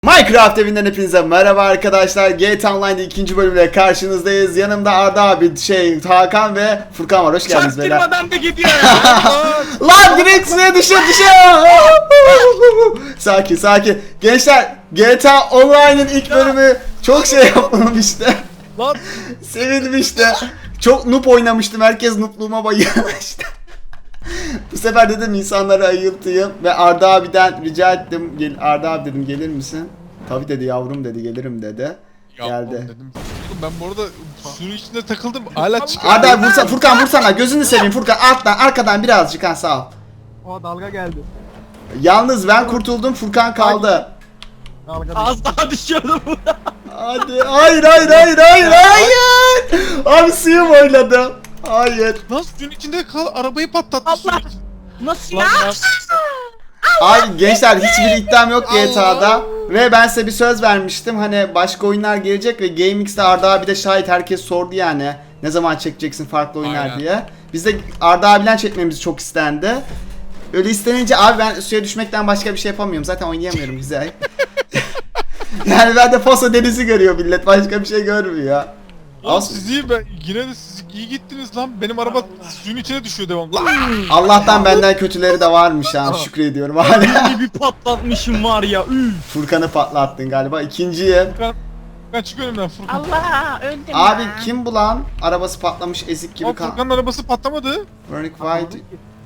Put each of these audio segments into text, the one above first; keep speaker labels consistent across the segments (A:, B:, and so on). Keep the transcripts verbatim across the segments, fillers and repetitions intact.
A: Minecraft evinden hepinize merhaba arkadaşlar. G T A Online'da ikinci bölümle karşınızdayız. Yanımda Arda abi, şey Hakan ve Furkan var. Hoş geldiniz beyler.
B: Çaktırmadan da gidiyor ya.
A: Lan direkt suya düşüyor düşüyor. Sakin sakin. Gençler, G T A Online'ın ilk bölümü çok şey yapmamıştı.
B: Lan
A: Sevilmişti. Çok noob oynamıştım. Herkes noobluğuma bayılmıştı. Bu sefer dedim insanları ayıltayım ve Arda abiden rica ettim. Gel, Arda abi dedim, gelir misin? Tabii dedi yavrum dedi, gelirim dedi.
C: Yapmam
A: Geldi.
C: dedim. Oğlum ben bu arada suyun içinde takıldım. Hala çıkıyor.
A: Arda abi vursa, Furkan vursana, gözünü seveyim Furkan, alttan arkadan birazcık, ha sağ ol.
D: O dalga geldi.
A: Yalnız ben kurtuldum, Furkan kaldı.
D: Dalga
B: az daha düşüyordum.
A: Hadi, hayır hayır hayır hayır hayır. Abi suyum oynadı. Hayır.
C: Lan suyun içinde kal, arabayı patlattı suyun
B: Allah.
C: içinde.
B: Nasıl
C: Lan
B: ya?
C: lan.
A: Abi gençler, hiçbir iddiam yok G T A'da. Ve ben size bir söz vermiştim, hani başka oyunlar gelecek ve GameX'te Arda abi de şahit, herkes sordu yani. Ne zaman çekeceksin farklı oyunlar
C: Aynen.
A: diye. Biz de Arda abiyle çekmemiz çok istendi. Öyle istenince abi ben suya düşmekten başka bir şey yapamıyorum. Zaten oynayamıyorum güzel. Yani ben de Foso denizi görüyor millet, başka bir şey görmüyor.
C: Oğlum
A: As-
C: siz iyi, ben yine de siz iyi gittiniz lan. Benim araba suyun içine düşüyor devamlı.
A: Allah'tan benden kötüleri de varmış ha, şükrediyorum hala.
B: Beni bir patlatmışım var ya. Üf.
A: Furkan'ı patlattın galiba, ikinciyi.
C: Furkan, Furkan çık önümden Furkan.
B: Allah öldüm
A: Abi
B: ya.
A: kim bu lan? Arabası patlamış ezik gibi
C: Ama
A: kan.
C: Furkan'ın arabası patlamadı.
A: Burning White.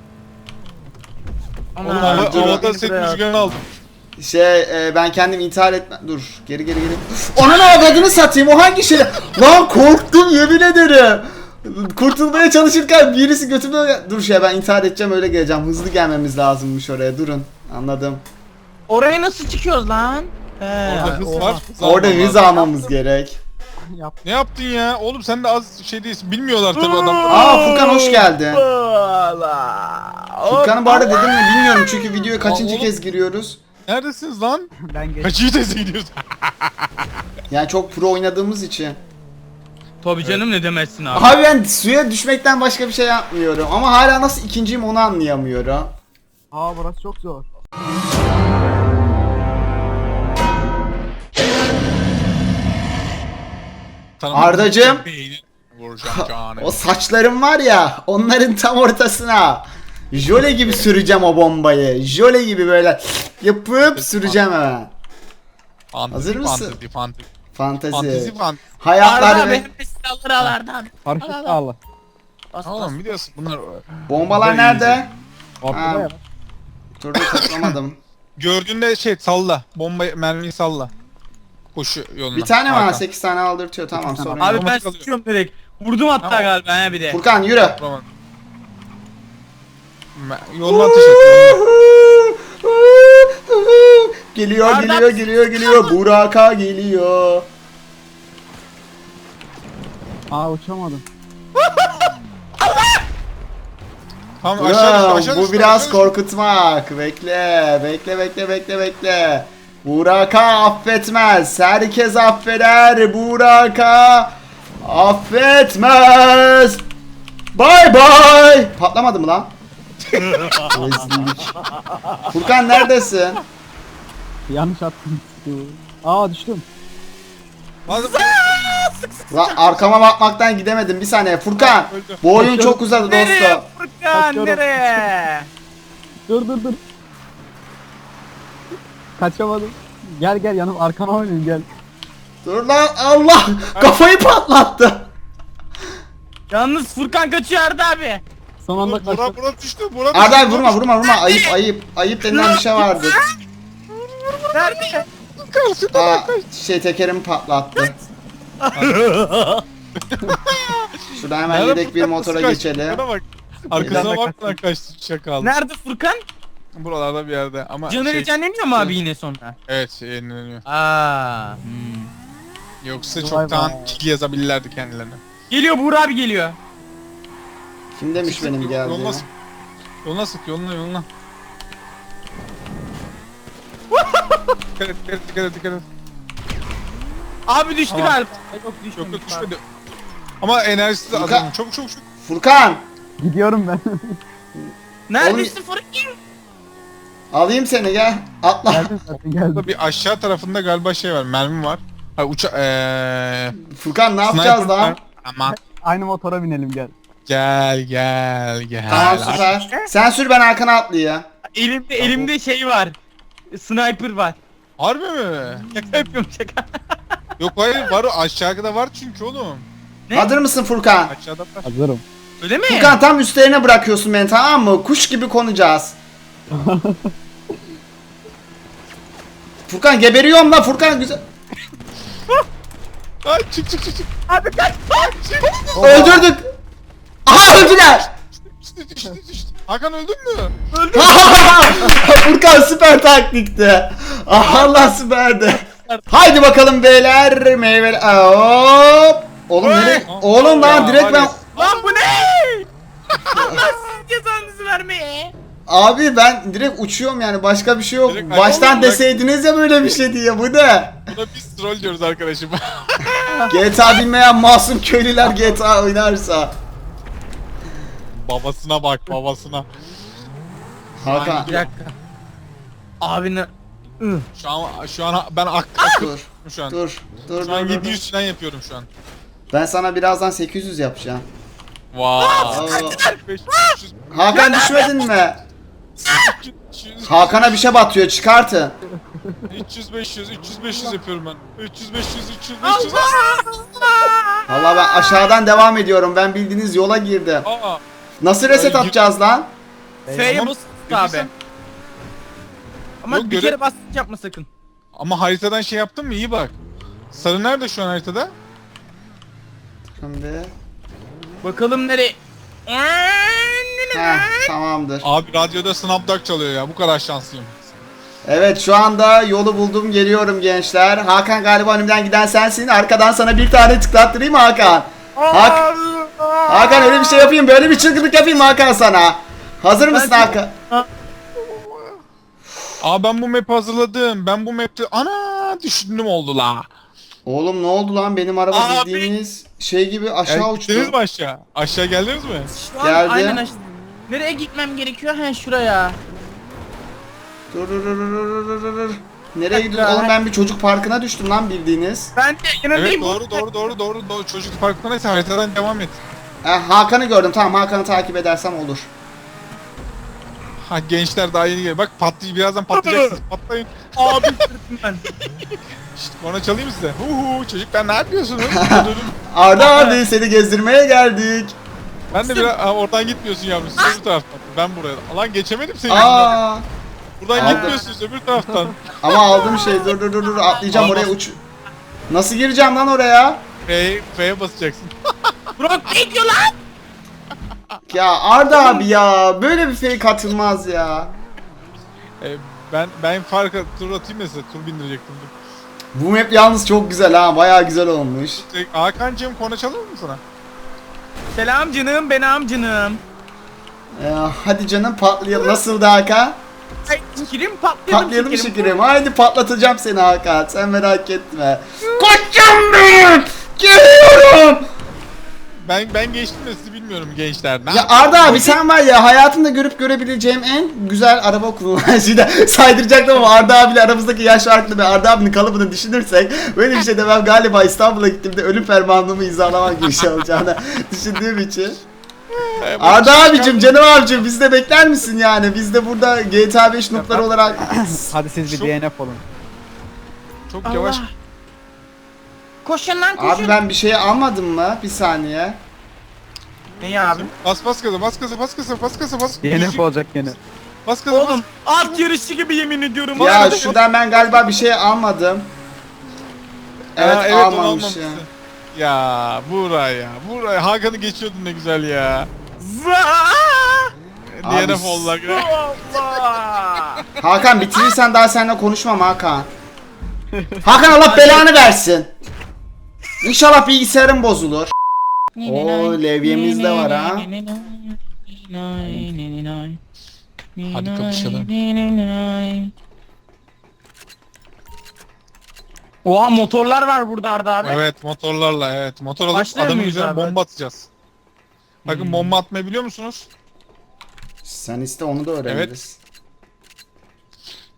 B: Ana,
C: Oğlum hava,
A: dur.
C: havada senin rüzgarını aldım.
A: Şey e, ben kendim intihar etme. Dur geri geri geri. Onun avradını satayım, o hangi şey? Lan korktum yemin ederim. Kurtulmaya çalışırken birisi götümden... Dur şey, ben intihar edeceğim, öyle geleceğim. Hızlı gelmemiz lazımmış oraya, durun. Anladım.
B: Oraya nasıl çıkıyoruz lan? He.
C: Orada hız
B: oha.
C: var. hız
A: Orada
C: alman
A: hız
C: lazım.
A: almamız gerek.
D: yap.
C: Ne yaptın ya? Oğlum sen de az şey değilsin. Bilmiyorlar tabii adam.
A: Aa Furkan hoş geldin.
B: Allah.
A: Furkan'ı bu arada dedim mi bilmiyorum çünkü videoya kaçıncı
C: oğlum.
A: kez giriyoruz.
C: Neredesiniz lan?
D: Ben geç.
C: Kaçıncı teyze gidiyoruz?
A: Yani çok pro oynadığımız için.
B: Tabii canım, ne demezsin abi.
A: Abi ben suya düşmekten başka bir şey yapmıyorum ama hala nasıl ikinciyim onu anlayamıyorum.
D: Aa burası çok zor.
A: Ardacığım.
C: Beyni vuracağım canım.
A: O saçlarım var ya, onların tam ortasına jöle gibi süreceğim o bombayı. Jöle gibi böyle yapıp süreceğim hemen.
C: Fantezi,
A: Hazır mısın?
C: Fantezi, fantezi.
A: Fantezi.
C: Fantezi, fantezi.
A: Hayatlar
B: Arda
A: ve
B: benim de silahları al Arda abi.
D: Paraşüt
B: Al, al, al.
D: sağla.
B: Bas, bas.
C: Oğlum biliyorsun bunlar...
A: bombalar
C: Böyle
A: nerede?
D: Ortada
A: Ha.
D: ya.
A: Turda toplamadım.
C: Gördüğünde şey salla. Bomba mermiyi salla. Koşu yoluna.
A: Bir tane var,
C: Hakan.
A: sekiz tane aldırtıyor, tamam sorun
B: Abi
A: yok.
B: ben
C: kalıyor.
B: sıkıyorum direkt. Vurdum hatta
C: Tamam.
B: galiba he bir de.
A: Furkan yürü.
C: Tamam. Me- Yoluna ateş et. Yoluna.
A: Geliyor
B: Arda-
A: geliyor geliyor geliyor, Buraka geliyor.
D: Aa uçamadım.
C: Tamam aşağı düştü,
A: Ulan,
C: aşağı
A: bu
C: düştü,
A: biraz
C: aşağı düştü.
A: korkutmak. Bekle, bekle, bekle, bekle, bekle. Buraka affetmez. Herkes affeder. Buraka affetmez. Bye bye. Patlamadı mı lan? Rezillik. Furkan neredesin?
D: Yanlış attım. Aa düştüm.
C: Hadi-
A: Lan arkama bakmaktan gidemedim. Bir saniye. Furkan,
C: Öldü.
A: bu oyun çok uzadı
B: Nereye
A: dostum.
B: Furkan,
D: Kaçıyorum.
B: nereye?
D: Dur dur dur. Kaçamadım. Gel gel yanım arkana oynayayım gel.
A: Dur lan, Allah kafayı patlattı.
B: Yalnız Furkan kaçıyor Arda abi.
D: Son anda
C: Burak,
D: kaçtım.
C: Burak düştü. Burak
A: Arda
C: düştü,
A: abi, vurma
C: Burak
A: vurma vurma, ayıp ayıp ayıp denilen bir şey vardır.
B: Nerede?
C: düştü. Karşıda
A: Aa,
C: bak.
A: şey tekerimi patlattı. Şuradan hemen
C: Nerede
A: yedek bir
C: Furkan?
A: motora
C: Nasıl kaçtı?
A: geçelim.
C: Furkan'a bak. Arkasına
D: Nerede
C: bak lan kaçtı şaka aldı.
B: Nerede Furkan?
C: Buralarda bir yerde ama
B: Canı
C: şey,
B: canlanıyor mu abi yine sonra?
C: evet şey, yenileniyor.
B: Aa. Hmm.
C: Yoksa
D: Vay
C: çoktan
D: vay.
C: kill yazabilirlerdi kendilerine.
B: Geliyor Buğra abi geliyor.
A: Kim demiş benim
C: Yoluna
A: geldiğimi?
C: sık. Yoluna sık yoluna yoluna. Dikkat et dikkat et dikkat et dikkat et.
B: Abi düştü
C: Tamam.
B: galiba. Yok düşmedi.
C: Yok yok düşmedi. Ama enerjisi de
A: Furkan-
C: azalmış. Çabuk çabuk çabuk.
A: Furkan!
D: Gidiyorum ben.
B: Neredesin Furkan?
A: Alayım seni gel. Atla.
D: Geldim zaten geldim.
C: Burada bir aşağı tarafında galiba şey var. Mermi var. Ha uça eee
A: Furkan ne yapacağız
C: sniper
A: lan?
C: var. Aman.
D: Aynı motora binelim gel.
C: Gel gel gel.
A: Tamam süper. Sen sür ben arkana atlayayım.
B: Elimde elimde şey var. Sniper var.
C: Harbi mi?
B: Şaka yapıyorum şaka.
C: Yok hayır var, aşağıda var çünkü oğlum.
B: Ne?
A: Hazır mısın Furkan?
C: Aşağıda var.
D: Hazırım.
B: Öyle mi?
A: Furkan tam üstlerine bırakıyorsun beni, tamam mı? Kuş gibi konacağız. Furkan geberiyorum lan Furkan, güzel.
C: Ay çık çık çık çık.
B: Abi kaç.
A: Öldürdük. Aha öldüler.
C: Düştü düştü düştü. Hakan öldün mü?
A: Furkan süper taktikti. Ah, Allah süperdi. Haydi bakalım beyler, meyve. Hop. Oğlum nereye? Oğlum lan
C: Ya,
A: direkt ben.
C: var
B: Lan bu ne? Allah sizin cezanızı vermeye.
A: Abi ben direkt uçuyorum yani, başka bir şey yok.
C: Direkt
A: Baştan
C: ayağımla bırak-
A: deseydiniz ya böyle bir şey diye, bu ne?
C: Buna biz troll diyoruz arkadaşım.
A: G T A bilmeyen masum köylüler G T A oynarsa.
C: Babasına bak babasına.
A: Hakan
B: Bir dakika. Abi ne? Ih.
C: Şu an şu an ben ak
A: dur
C: akıyorum şu an.
A: dur dur
C: Şu an
A: dur, dur,
C: yedi
A: dur.
C: yüz falan yapıyorum şu an.
A: Ben sana birazdan sekiz yüz yapacağım.
C: Vay.
A: Oo.
C: beş yüz,
A: Hakan düşmedin mi?
C: üç yüz,
A: Hakan'a bir şey batıyor, çıkartın.
C: üç yüz beş yüz üç yüz beş yüz yapıyorum ben. üç yüz beş yüz üç yüz beş yüz.
A: Valla ben aşağıdan devam ediyorum. Ben bildiğiniz yola girdim.
C: Aa.
A: Nasıl reset
C: Ay,
A: atacağız lan?
B: F'ye
C: Tamam,
B: bas abi.
C: bilirsen.
B: Ama
C: Yok,
B: bir
C: göre-
B: kere bas yapma sakın.
C: Ama haritadan şey yaptın mı? İyi bak. Sarı nerede şu an haritada?
A: Şimdi.
B: Bakalım nereye?
A: Heh, tamamdır.
C: Abi radyoda Snapdog çalıyor ya. Bu kadar şanslıyım.
A: Evet, şu anda yolu buldum, geliyorum gençler. Hakan galiba önümden giden sensin. Arkadan sana bir tane tıklattırayım mı Hakan? Hak Hakan öyle bir şey yapayım, böyle bir çılgınlık yapayım mı Hakan sana? Hazır mısın Hakan?
C: Aa ben bu map'i hazırladım. Ben bu map'te ana düşündüm oldu la.
A: Oğlum ne oldu lan, benim araba
B: Abi.
A: bildiğiniz şey gibi aşağı
C: Yani
A: uçtu.
C: gittiniz mi aşağı? Aşağı geldiniz mi?
B: Şu an
A: Geldi.
B: aynen aşağı. Nereye gitmem gerekiyor? He şuraya.
A: Dur dur dur dur dur dur dur. Nereye
B: dakika.
A: gidiyorsun oğlum, ben bir çocuk parkına düştüm lan bildiğiniz.
B: Ben de
C: Evet
B: yanındayım.
C: doğru doğru doğru doğru doğru. Çocuk parkındaysa haritadan devam et.
A: Ha, Hakan'ı gördüm, tamam, Hakan'ı takip edersem olur.
C: Ha gençler daha yeni geliyor. Bak patlayı birazdan patlayacaksınız. Patlayın.
B: Abi sırtım ben.
C: Şşt bana çalayım size. Huhu çocuklar ne yapıyorsunuz?
A: Arda abi seni gezdirmeye geldik.
C: Ben de biraz Aa, oradan gitmiyorsun yavrum. Siz öbür taraftan. Ben buraya. Lan geçemedim seni. yüzünden.
A: Aa,
C: Buradan
A: Aldım.
C: gitmiyorsunuz öbür taraftan.
A: ama aldım şey, dur dur dur dur atlayacağım oraya, uç. Nasıl gireceğim lan oraya?
C: F'ye F'ye basacaksın.
B: Burak ne diyor lan?
A: Ya Arda abi ya, böyle bir fake atılmaz ya.
C: E, ben ben farka tur atayım da size tur bindirecektim. Dur.
A: Bu map yalnız çok güzel ha, bayağı güzel olmuş.
C: Şey, Hakan'cığım konu çalır mı sana?
B: Selam canım, ben amcanım.
A: Ee, hadi canım patlayalım. Nasıldı Hakan?
B: Ay şekerim patlayalım,
A: Patlayalım
B: şekerim.
A: şekerim. Haydi patlatacağım seni Hakan. Sen merak etme. Koçum benim! Geliyorum!
C: Ben ben geçtim de sizi bilmiyorum gençler. Ne
A: Ya
C: yap-
A: Arda abi sen var ya, hayatımda görüp görebileceğim en güzel araba kullanıcıydı. Saydıracaktım ama Arda abiyle aramızdaki yaş farklı ve Arda abinin kalıbını düşünürsek böyle bir şey demem, galiba İstanbul'a gittiğimde ölüm fermanımı imzalamak gibi şey olacağını düşündüğüm için.
C: E, bu
A: Arda
C: çıkan-
A: abicim, canım abicim, biz de bekler misin yani? Biz de burada G T A beş noob'lar olarak...
D: Hadi siz bir
C: Çok-
D: D N F olun.
C: Çok
B: Allah.
C: yavaş.
B: Koşun lan koşun.
A: Abi ben bir şey almadım mı? Bir saniye.
B: Ne abi?
C: Bas bas gaza bas gaza bas gaza bas gaza bas.
D: D N F olacak gene.
C: Bas gaza
B: Oğlum at yarışı gibi yemin ediyorum.
A: Ya
B: Bak-
A: şuradan ben galiba bir şey almadım. Evet,
C: Aa, evet onu
A: almamışım.
C: almamışsın. Ya buraya buraya Hakan'ı geçiyordun ne güzel ya.
B: Vaa!
A: Abi,
C: D N F oldular.
B: Allah!
A: Hakan bitirirsen daha seninle konuşmam Hakan. Hakan Allah belanı versin. İnşallah bilgisayarım bozulur. Oo, levyemiz de var ha.
C: Hadi kapışalım.
B: Oha motorlar var burada Arda abi.
C: Evet motorlarla evet motor alıp
B: Başlıyor
C: adamın
B: muyuz
C: üzerine
B: abi?
C: bomba atacağız. Bakın bomba atmayı biliyor musunuz?
A: Sen iste, onu da öğreniriz.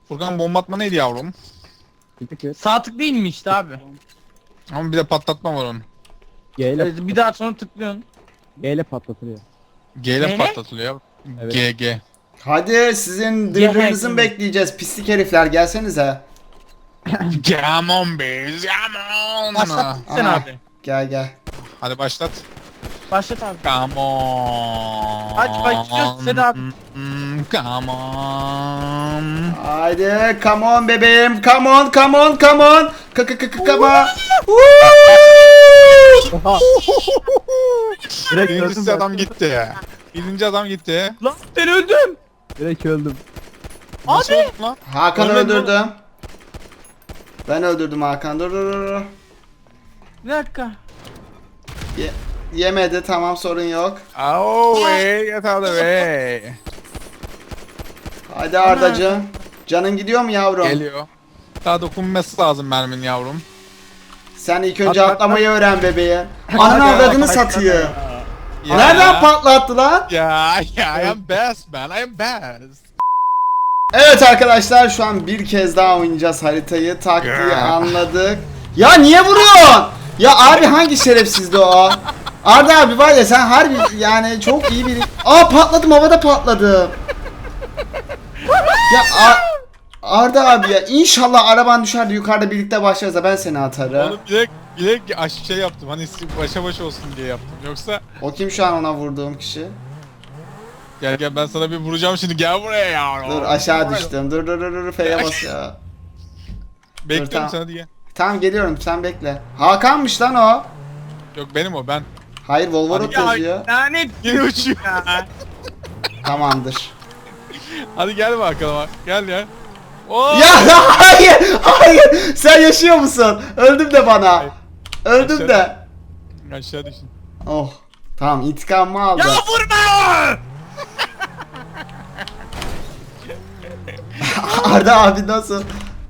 C: Furkan bomba atma neydi yavrum?
D: Bir tık et.
B: Sağ tık değil mi işte abi?
C: Ama bir de patlatma var onun.
D: G ile,
B: Evet, bir daha sonra tıklıyorsun.
D: G ile patlatılıyor.
C: G ile
B: Neyle?
C: patlatılıyor.
D: Evet.
C: G G.
A: Hadi sizin
B: Gel,
A: dırdırınızı
B: gel.
A: mı bekleyeceğiz pislik herifler, gelsenize.
C: Come on biz, come on.
B: Başlat sen
A: Aha.
B: abi.
A: Gel gel.
C: Hadi başlat.
B: Başlat abi.
C: Come on.
B: Hadi başlıyoruz Sedat abi.
C: Hmm, Come on.
A: Haydi come on bebeğim, come on come on come on. K k k k come on. Woo!
D: Oha. Direkt öldüm
C: Birincisi
D: ben.
C: adam gitti. Birinci adam gitti.
B: Lan ben öldüm.
D: Direkt öldüm.
C: Nasıl
B: Abi.
C: oldu lan?
A: Hakan
B: Ölmedin
A: öldürdüm. Ben öldürdüm Hakan. Dur dur dur, dur.
B: Bir dakika.
A: Ye- yemedi, tamam, sorun yok.
C: Oh way, get out of the way.
A: Hadi Ardacığım. Canın gidiyor mu yavrum?
C: Geliyor. Daha dokunması lazım mermin yavrum.
A: Sen ilk önce
D: At, at,
A: atlamayı öğren bebeğim. Ananı avradını satayım.
C: Ya.
A: Nereden patlattı lan?
C: Ya, ya, I am best man, I am best.
A: Evet arkadaşlar, şu an bir kez daha oynayacağız haritayı. Taktiği
C: Ya.
A: anladık. Ya niye vuruyorsun? Ya abi hangi şerefsizdi o? Arda abi var ya, sen harbi yani çok iyi bir... Aa patladım, havada patladım. Ya Ar- Arda abi ya, inşallah araban düşer de yukarıda birlikte başlarız da ben seni atarım.
C: Onu bilek, bilek aş- şey yaptım, hani başa baş olsun diye yaptım. Yoksa
A: O kim şu an ona vurduğum kişi?
C: gel gel ben sana bir vuracağım şimdi, gel buraya yavrum.
A: Dur aşağı düştüm. Dur dur dur dur F'ye bas ya.
C: Bekliyorum
A: tamam.
C: sana diye.
A: Tamam geliyorum, sen bekle. Hakan'mış lan o.
C: Yok benim o, ben.
A: Hayır Volvorot
B: Ya
A: yazıyor.
B: lanet
C: Yine uçuyor.
B: ya.
A: Tamamdır.
C: Hadi gel bakalım, gel ya. Oo!
A: Ya hayır hayır, sen yaşıyor musun? Öldüm de bana. Öldüm
C: Aşağı-
A: de.
C: Aşağı düşün.
A: Oh. Tamam, intikamımı aldı.
B: Ya vurma!
A: Arda abi nasıl?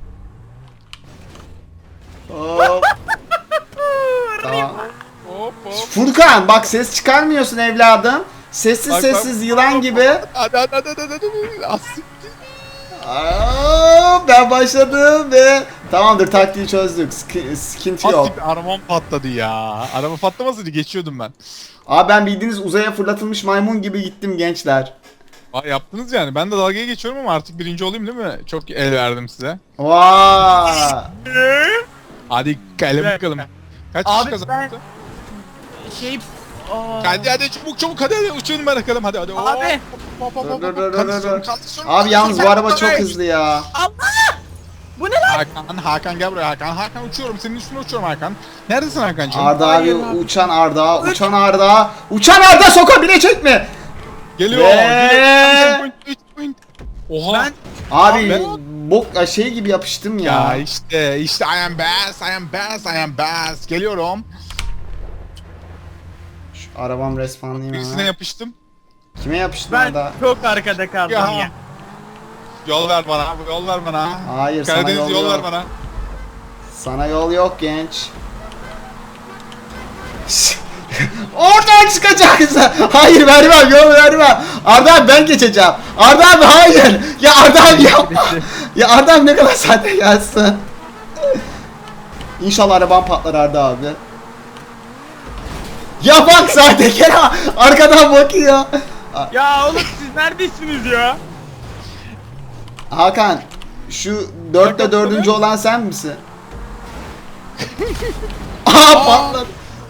A: Hop. Tamam.
C: Hop hop.
A: Furkan bak, ses çıkarmıyorsun evladım. Sessiz
C: Bak,
A: sessiz
C: bak.
A: yılan gibi.
C: Hadi hadi hadi hadi hadi. As.
A: Aa, ben başladım ve tamamdır, taktiği çözdük. Sıkı- Sıkıntı yok.
C: Asik arabam patladı ya. Araba patlamasaydı geçiyordum ben.
A: Abi ben bildiğiniz uzaya fırlatılmış maymun gibi gittim gençler.
C: Aa, yaptınız yani. Ben de dalgaya geçiyorum ama artık birinci olayım değil mi? Çok el verdim size.
A: Vay.
C: Hadi gelin
B: Evet.
C: bakalım. Kaç
B: Abi
C: kişi kazandı?
B: ben- Şey... Aa.
C: Hadi hadi çabuk çabuk hadi hadi uçalım bakalım hadi hadi.
B: Abi.
C: Hop, hop, hop, hop,
A: Dur, dur,
C: hop.
A: dur,
C: Kaldırıyorum,
A: dur.
C: kaldırıyorum,
A: Abi yalnız bu
C: kaldırıyorum.
A: araba çok hızlı ya.
B: Bu ne lan?
C: Hakan, Hakan gel buraya Hakan. Hakan uçuyorum. Senin üstüne uçuyorum Hakan. Neredesin Hakan'cığım?
A: Arda
B: Hayır
A: abi,
B: abi.
A: uçan Arda, uçan Arda, uçan Arda sokabilecek mi?
C: Geliyor.
A: Ve-
C: Geliyor. Point, üç point. Oha.
B: Ben...
A: Abi
C: Ben-
A: bok şey gibi yapıştım
C: Ya
A: ya.
C: işte işte I am best, I am best, I am best. Geliyorum.
A: Şu arabam respawnlayayım
C: Birisine
A: hemen.
C: yapıştım.
A: Kime yapıştım
B: Ben
A: Arda?
B: çok arkada kaldım
C: Ya.
B: ya.
C: Yol ver bana, yol ver bana.
A: Hayır, sana
C: Karadeniz
A: yol
C: yol ver
A: yok.
C: bana.
A: Sana yol yok genç. Oradan çıkacaksın. Hayır vermem, yol vermem. Arda abi ben geçeceğim. Arda abi hayır. Ya Arda abi yapma. Ya Arda abi ne kadar sahte gelsin. İnşallah arabam patlar Arda abi. Ya bak sahtekar ha, arkadan bakıyor.
B: Ya oğlum siz neredesiniz ya?
A: Hakan, şu dörtte dördüncü olan sen misin? Aa patladı.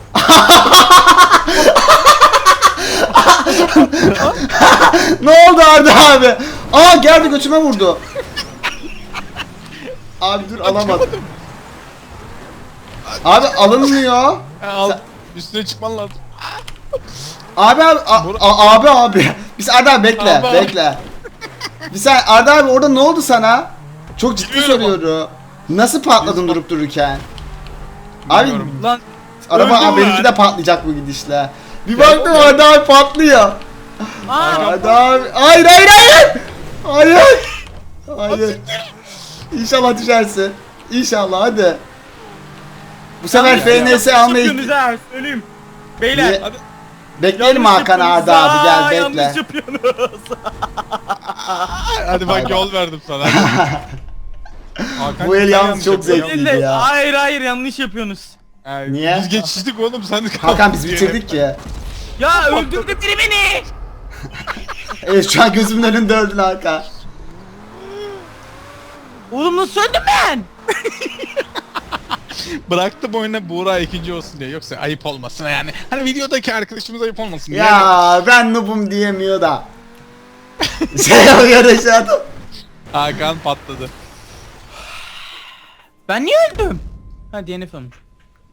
A: Ne oldu Arda abi? Aa geldi götüme vurdu. Abi dur alamadım. Abi alınmıyor.
C: Ha, al.
A: Sen-
C: Üstüne çıkman lazım.
A: Abi abi a- a- abi abi. Biz Arda abi bekle
C: Abi.
A: bekle. Bir sen Arda abi orada ne oldu sana? Çok ciddi
C: Bilmiyorum.
A: soruyorum. Nasıl patladın
C: Biz-
A: durup dururken? Abi
C: Bilmiyorum.
B: Lan
A: araba
B: öldüm
A: abi, benimki
B: ben.
A: de patlayacak bu gidişle. Bir baktım Arda abi patlıyor.
B: Aa,
A: Arda abi hayır hayır hayır. Hayır. Hayır. İnşallah düşersin. İnşallah hadi. Bu sefer
C: Abi ya,
A: F N S almayı
B: Sıkıyorsunuz ha söyleyeyim. Beyler
A: Niye?
C: Hadi.
A: Bekleyelim
B: Yanlış
A: Hakan
B: yapıyorsunuz.
A: Arda abi
B: Aa,
A: gel bekle.
B: Yanlış yapıyorsunuz.
C: Hadi
A: Bay
C: bak
A: bay.
C: yol verdim sana. Hakan
A: Bu el
C: sen
A: yalnız
C: yanlış
A: çok
C: yapıyorsun.
A: zevkli.
B: Değil de,
A: ya.
B: hayır hayır yanlış yapıyorsunuz.
C: Yani
A: Niye?
C: Biz geçiştik oğlum sen de
A: Hakan biz bitirdik ki.
B: Ya öldürdü biri beni.
A: Evet şu an gözümün önünde öldün Hakan.
B: Oğlum nasıl öldüm ben?
C: Bıraktım oyuna Buğra ikinci olsun diye. Yoksa ayıp olmasın yani. Hani videodaki arkadaşımız ayıp olmasın diye.
A: Ya ben noobum diyemiyor da. Şey yapıyor aşağıda.
C: Hakan patladı.
B: Ben niye öldüm? Ha D N F olmuş.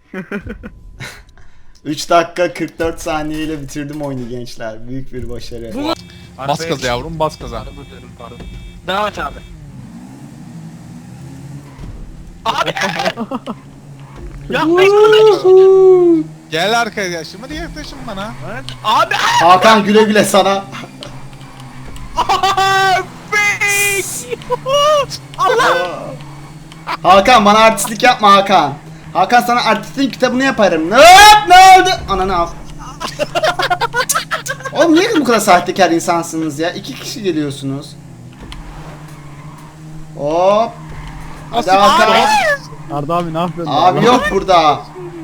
A: üç dakika kırk dört saniyeyle bitirdim oyunu gençler. Büyük bir başarı.
B: Bu-
C: Bas gaza yavrum bas gaza.
B: Devam et abi. Abi. Ya
C: Gel arkadaşım hadi yaklaşın bana.
B: abi.
A: Hakan güle güle sana.
B: Abi. Allah.
A: Hakan bana artistlik yapma Hakan. Hakan sana artistin kitabını yaparım. Ne yap ne oldu? Ananı al. Oğlum niye bu kadar sahtekar insansınız ya? İki kişi geliyorsunuz. Hop. Hadi
C: Nasıl-
A: Hakan.
D: Arda abi ne yapıyorsun?
A: Abi yok burada.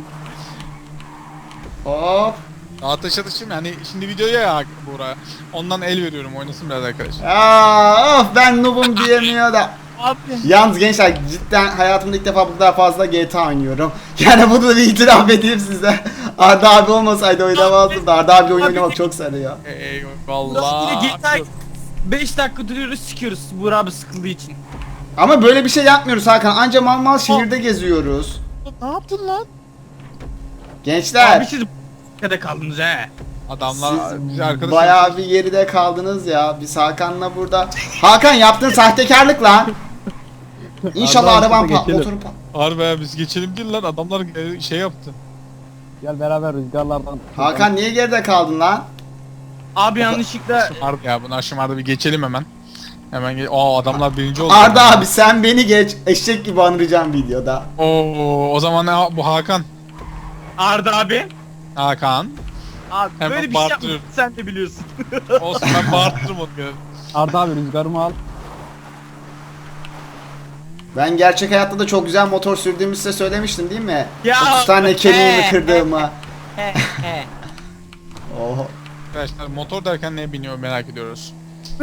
A: Hop.
C: Ateş atışım yani şimdi videoya ya Buğra. Ondan el veriyorum oynasın biraz arkadaş.
A: Ya of ben noobum diyemiyor da.
B: Abi.
A: Yalnız gençler cidden hayatımda ilk defa bu kadar fazla G T A oynuyorum. Yani bunu da bir itiraf edeyim size. Arda abi olmasaydı oynamazdım da Arda abi oyun oynamak çok sarıyor.
C: Eyvallah.
B: G T A beş dakika duruyoruz sikiyoruz Buğra abi sıkıldığı için.
A: Ama böyle bir şey yapmıyoruz Hakan. Anca mal mal şehirde geziyoruz.
C: Ne yaptın lan?
A: Gençler
B: Abi siz b***de kaldınız he.
C: Adamlar bizi
A: siz
C: arkadaş.
A: bayağı bir geride kaldınız ya. Biz Hakan'la burada. Hakan yaptığın sahtekarlık lan. İnşallah
D: Arda abi,
A: araban
D: şurada
A: pat
D: geçelim.
A: motoru pat.
C: Harbi ya biz geçelim değil lan adamlar e, şey yaptı.
D: Gel beraber rüzgarlardan.
A: Hakan niye geride kaldın lan?
B: Abi yanlışlıkla
C: Harbi ya bunu aşamarda bir geçelim hemen. Hemen ge Aa adamlar birinci oldu.
A: Arda abi sen beni geç. Eşek gibi anıracağım videoda.
C: Oo o zaman ne bu Hakan.
B: Arda abi.
C: Hakan.
B: Abi
C: Hemen
B: böyle bir şey
C: bağırtırıyorum.
B: yapmışsın sen de biliyorsun.
C: Olsun ben bağırtırım onu. gene.
D: Arda abi rüzgarımı al.
A: Ben gerçek hayatta da çok güzel motor sürdüğümü size söylemiştim değil mi?
B: Ya,
A: otuz tane kemiğimi
B: he,
A: kırdığımı.
B: He he.
A: Oho.
C: Arkadaşlar motor derken neye biniyor merak ediyoruz.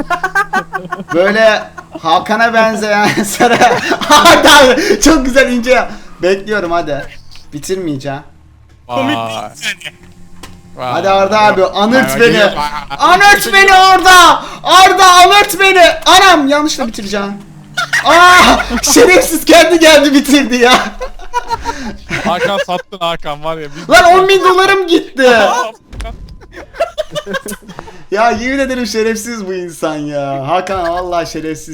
A: Böyle Hakan'a benzeyen sarı. Hadi abi çok güzel ince ya. Bekliyorum hadi. Bitirmeyeceğim.
B: Komik
C: Vay.
B: değil yani.
C: Vay.
A: Hadi Arda abi anırt
C: Vay,
A: beni.
C: vay.
A: Anırt beni Arda. Arda anırt beni. Anam yanlışla bitireceğim. Aa şerefsiz kendi geldi bitirdi ya.
C: Hakan sattın Hakan var ya. Biz...
A: Lan on bin dolarım gitti. Ya yemin ederim şerefsiz bu insan ya. Hakan vallahi şerefsiz.